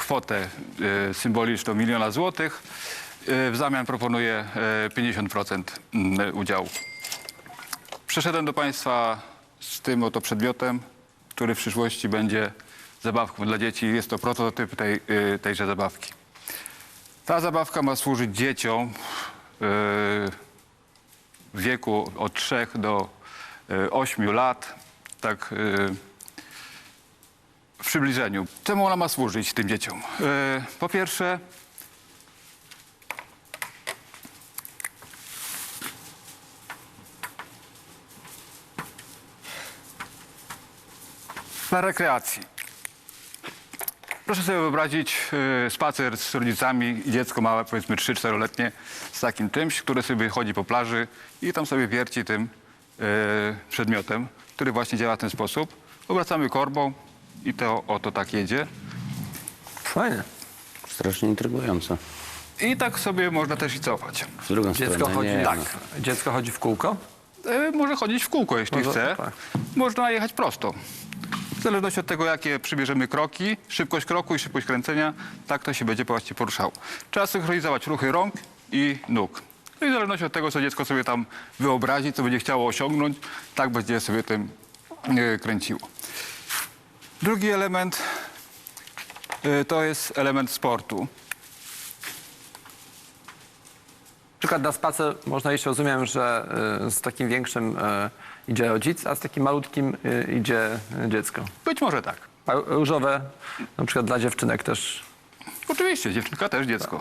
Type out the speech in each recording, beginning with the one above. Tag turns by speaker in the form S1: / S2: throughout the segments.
S1: kwotę symboliczną 1 000 000 złotych. W zamian proponuję 50% udziału. Przyszedłem do Państwa z tym oto przedmiotem, który w przyszłości będzie zabawką dla dzieci. Jest to prototyp tejże zabawki. Ta zabawka ma służyć dzieciom w wieku od 3 do 8 lat, tak w przybliżeniu. Czemu ona ma służyć tym dzieciom? Po pierwsze, dla rekreacji. Proszę sobie wyobrazić spacer z rodzicami i dziecko małe, powiedzmy 3-4-letnie, z takim czymś, które sobie chodzi po plaży i tam sobie wierci tym przedmiotem, który właśnie działa w ten sposób. Obracamy korbą i to oto tak jedzie.
S2: Fajnie.
S3: Strasznie intrygujące.
S1: I tak sobie można też i cofać.
S3: W drugą stronę nie.
S2: Tak. Dziecko chodzi w kółko?
S1: Może chodzić w kółko, jeśli
S2: Może,
S1: chce.
S2: tak.
S1: Można jechać prosto. W zależności od tego, jakie przybierzemy kroki, szybkość kroku i szybkość kręcenia, tak to się będzie właśnie poruszało. Trzeba synchronizować ruchy rąk i nóg. No i w zależności od tego, co dziecko sobie tam wyobrazi, co będzie chciało osiągnąć, tak będzie sobie tym kręciło. Drugi element to jest element sportu.
S2: Na przykład na spacer można iść, rozumiem, że z takim większym idzie rodzic, a z takim malutkim idzie dziecko.
S1: Być może tak.
S2: A różowe, na przykład dla dziewczynek też.
S1: Oczywiście, dziewczynka też dziecko.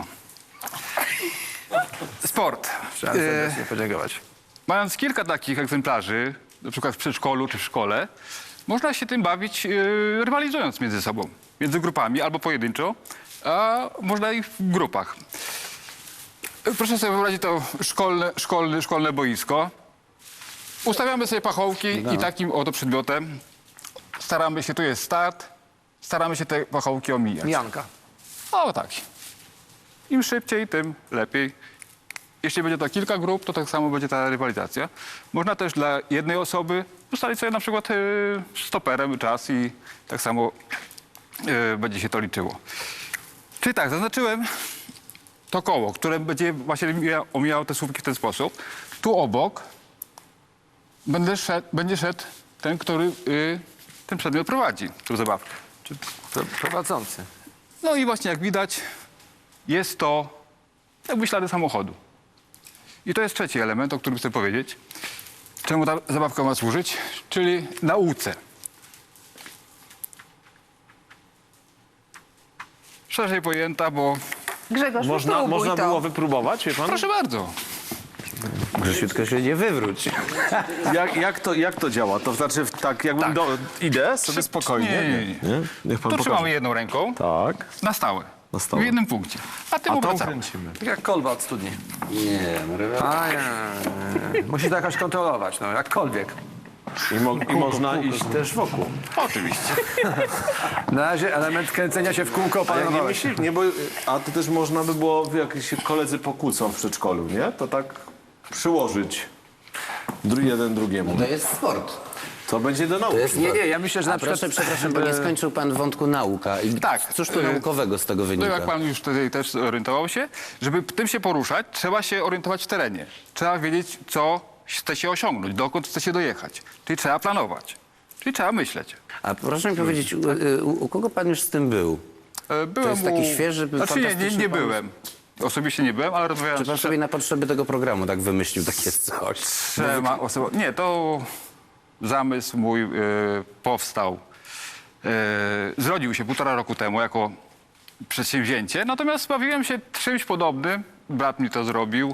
S1: Sport.
S2: Trzeba serdecznie podziękować.
S1: Mając kilka takich egzemplarzy, na przykład w przedszkolu czy w szkole, można się tym bawić rywalizując między sobą. Między grupami albo pojedynczo, a można i w grupach. Proszę sobie wyobrazić to szkolne boisko. Ustawiamy sobie pachołki i takim oto przedmiotem staramy się, tu jest start, staramy się te pachołki omijać.
S2: Mijanka.
S1: O tak. Im szybciej, tym lepiej. Jeśli będzie to kilka grup, to tak samo będzie ta rywalizacja. Można też dla jednej osoby ustalić sobie na przykład stoperem czas i tak samo będzie się to liczyło. Czyli tak, zaznaczyłem to koło, które będzie właśnie omijało te słupki w ten sposób. Tu obok będzie szedł ten, który ten przedmiot prowadzi, tą zabawkę.
S2: Czy prowadzący.
S1: No i właśnie jak widać, jest to jakby ślady samochodu. I to jest trzeci element, o którym chcę powiedzieć. Czemu ta zabawka ma służyć? Czyli nauce. Szerzej pojęta, bo...
S4: Grzegorz,
S5: Można
S4: to.
S5: było wypróbować, wie pan?
S1: Proszę bardzo.
S3: Grzesiu, tylko się nie wywróć.
S5: Jak to działa? To znaczy, tak jakbym idę sobie spokojnie.
S1: Nie.
S5: Niech pan
S1: Tu
S5: pokaże.
S1: trzymamy jedną ręką
S5: Tak.
S1: na stałe.
S5: Na stałe.
S1: W jednym punkcie. A tym
S5: A tą
S1: obracamy.
S5: kręcimy.
S2: Tak jak kolba od studni.
S3: Nie, no rewelacja.
S2: A nie. Musi to jakoś kontrolować, no jakkolwiek.
S5: I można iść też wokół.
S1: Oczywiście.
S2: Na razie element kręcenia się w kółko
S5: A jak nie
S2: opanowałeś.
S5: myślisz, nie, bo, a to też można by było, jak się koledzy pokłócą w przedszkolu, nie? To tak przyłożyć jeden drugiemu.
S3: To jest sport.
S5: To będzie do nauki.
S2: Nie, ja myślę, że
S3: A
S2: na przykład...
S3: proszę, przepraszam, bo nie skończył pan wątku nauka. I
S1: Tak.
S3: Cóż tu naukowego z tego
S1: No
S3: wynika?
S1: jak pan już tutaj też zorientował się, żeby tym się poruszać, trzeba się orientować w terenie. Trzeba wiedzieć, co chce się osiągnąć, dokąd chce się dojechać. Czyli trzeba planować. Czyli trzeba myśleć.
S3: A proszę mi powiedzieć, u kogo pan już z tym był?
S1: Byłem
S3: jest taki świeży,
S1: Znaczy nie
S3: fantastyczny
S1: nie
S3: pomysł.
S1: byłem. Osobiście nie byłem, ale rozmawiałem
S3: Czy pan
S1: z
S3: sobie na potrzeby tego programu tak wymyślił takie coś?
S1: trzema osobami. Nie, to zamysł mój powstał. Zrodził się 1,5 roku temu jako przedsięwzięcie, natomiast bawiłem się czymś podobnym. Brat mi to zrobił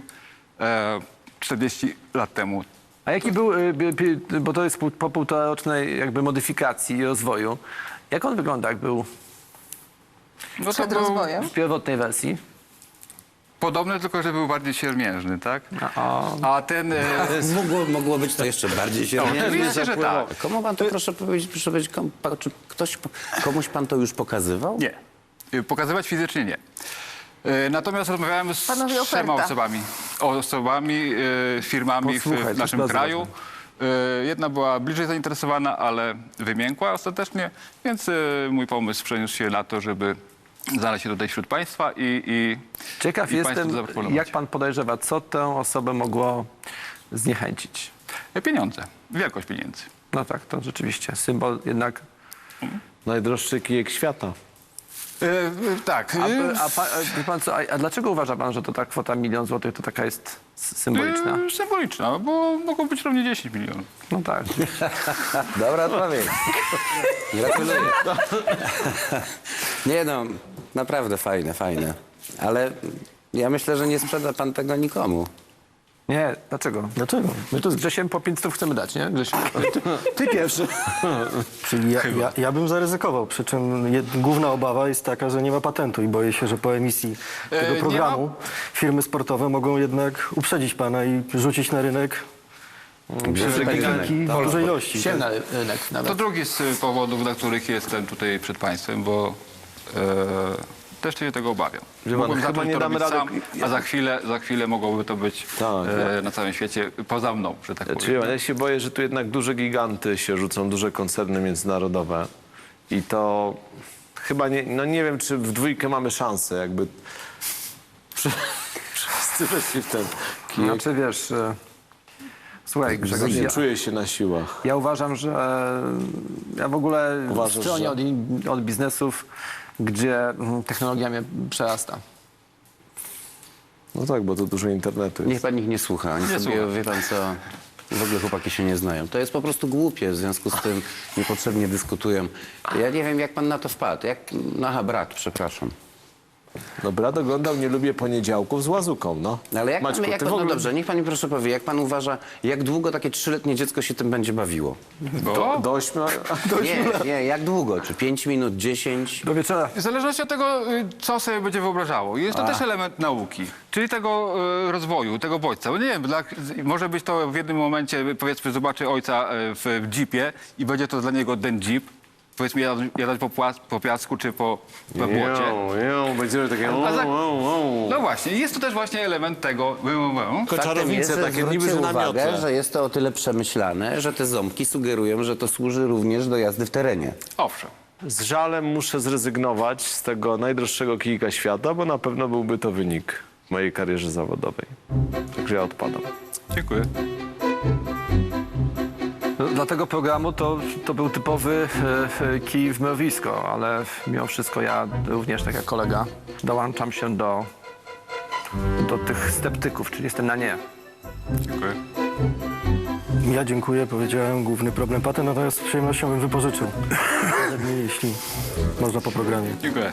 S1: 40 lat temu.
S2: A jaki był, bo to jest po półtorocznej jakby modyfikacji i rozwoju, jak on wygląda, jak był
S1: No to
S4: Przed
S1: był
S4: rozwojem.
S2: w pierwotnej wersji?
S1: podobny, tylko że był bardziej siermiężny, tak?
S2: A,
S1: A ten...
S3: Mogło być to jeszcze bardziej się
S1: oczywiście, że tak.
S3: Komu pan to, proszę powiedzieć, czy komuś pan to już pokazywał?
S1: Nie. Pokazywać fizycznie nie. Natomiast rozmawiałem z
S4: Panowie,
S1: 3
S4: oferta.
S1: osobami, firmami
S2: Posłuchaj,
S1: w
S2: to
S1: naszym
S2: jest bardzo
S1: kraju. Jedna była bliżej zainteresowana, ale wymiękła ostatecznie, więc mój pomysł przeniósł się na to, żeby znaleźć się tutaj wśród państwa i
S2: Ciekaw
S1: i państwu
S2: jestem,
S1: to zaproponować.
S2: jak pan podejrzewa, co tę osobę mogło zniechęcić?
S1: Pieniądze, wielkość pieniędzy.
S2: No tak, to rzeczywiście symbol jednak.
S5: Najdroższy kijek świata.
S1: Tak.
S2: Wie pan co, a dlaczego uważa pan, że to ta kwota 1 000 000 złotych to taka jest symboliczna?
S1: Symboliczna, bo mogą być równie 10 milionów.
S2: No tak.
S3: Dobra odpowiedź. Gratuluję. Nie no, naprawdę fajne, fajne. Ale ja myślę, że nie sprzeda pan tego nikomu.
S2: Nie, dlaczego?
S4: Dlaczego?
S2: My tu z Grzesiem po 500 chcemy dać, nie? Grzesiu?
S4: Ty pierwszy. Czyli ja bym zaryzykował, przy czym główna obawa jest taka, że nie ma patentu i boję się, że po emisji tego
S1: nie
S4: programu firmy sportowe mogą jednak uprzedzić pana i rzucić na rynek giganki w dużej ilości.
S2: Siemna rynek
S1: To
S2: nawet.
S1: drugi z powodów, dla których jestem tutaj przed państwem, bo też się tego obawiam.
S5: Wie pan,
S1: Mogłem
S5: chyba
S1: zacząć
S5: nie
S1: to
S5: damy
S1: robić
S5: rady-
S1: sam, a za chwilę mogłoby to być
S5: Tak,
S1: na całym świecie poza mną, że tak powiem.
S5: Ja się boję, że tu jednak duże giganty się rzucą, duże koncerny międzynarodowe i to chyba nie, no nie wiem, czy w dwójkę mamy szansę, jakby wszyscy weszli w ten kijek.
S2: Znaczy wiesz, słuchaj Grzegorz,
S5: Nie
S2: ja,
S5: czuję się na siłach.
S2: ja uważam, że ja w ogóle
S5: Uważasz,
S2: stronie
S5: że?
S2: od biznesów, gdzie technologia mnie przerasta.
S5: No tak, bo to dużo internetu
S3: Niech
S5: jest.
S3: pan ich nie słucha. Oni
S1: Nie
S3: sobie,
S1: słucham.
S3: wie pan co, w ogóle chłopaki się nie znają. To jest po prostu głupie, w związku z tym niepotrzebnie dyskutują. Ja nie wiem, jak pan na to wpadł. Aha, brat, przepraszam.
S5: No brat oglądał Nie lubię poniedziałków z Łazuką, no.
S3: Ale jak
S5: Maćku,
S3: pan, jak
S5: ty
S3: pan,
S5: w ogóle...
S3: no dobrze, niech pan mi proszę powie, jak pan uważa, jak długo takie 3-letnie dziecko się tym będzie bawiło?
S5: Do 8...
S3: Nie, jak długo? Czy 5 minut, 10?
S2: Do wieczora.
S1: W zależności od tego, co sobie będzie wyobrażało. Jest to też element nauki, czyli tego rozwoju, tego bodźca. Bo nie wiem, może być to w jednym momencie, powiedzmy, zobaczy ojca w jeepie i będzie to dla niego ten jeep. Powiedzmy, jadać po piasku czy po błocie.
S5: Będziemy takie...
S1: A za- No właśnie, jest to też właśnie element tego.
S3: Faktem jest, że
S5: takie niby,
S3: zwróćcie
S5: że na
S3: uwagę,
S5: miotle.
S3: że jest to o tyle przemyślane, że te ząbki sugerują, że to służy również do jazdy w terenie.
S1: Owszem.
S5: Z żalem muszę zrezygnować z tego najdroższego kijka świata, bo na pewno byłby to wynik w mojej karierze zawodowej. Także ja odpadam.
S1: Dziękuję.
S2: No, dla tego programu to był typowy kij w mrowisko, ale mimo wszystko ja również, tak jak kolega, dołączam się do tych sceptyków, czyli jestem na nie.
S1: Dziękuję.
S4: Ja dziękuję, powiedziałem, główny problem patent, natomiast z przyjemnością bym wypożyczył. Jeśli można po programie.
S1: Dziękuję.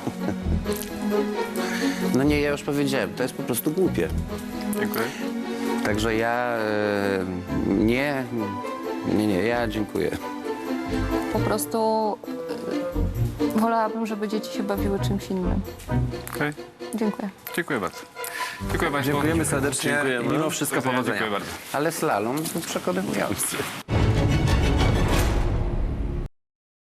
S3: No nie, ja już powiedziałem, to jest po prostu głupie.
S1: Dziękuję.
S3: Także ja nie, ja dziękuję.
S6: Po prostu wolałabym, żeby dzieci się bawiły czymś innym.
S1: Okej.
S6: Dziękuję.
S1: Dziękuję bardzo. Dziękuję Państwu.
S2: Dziękujemy serdecznie
S5: Dziękujemy.
S2: i mimo wszystko
S1: Do widzenia.
S2: powodzenia.
S1: Dziękuję bardzo.
S3: Ale slalom był przekonywujący.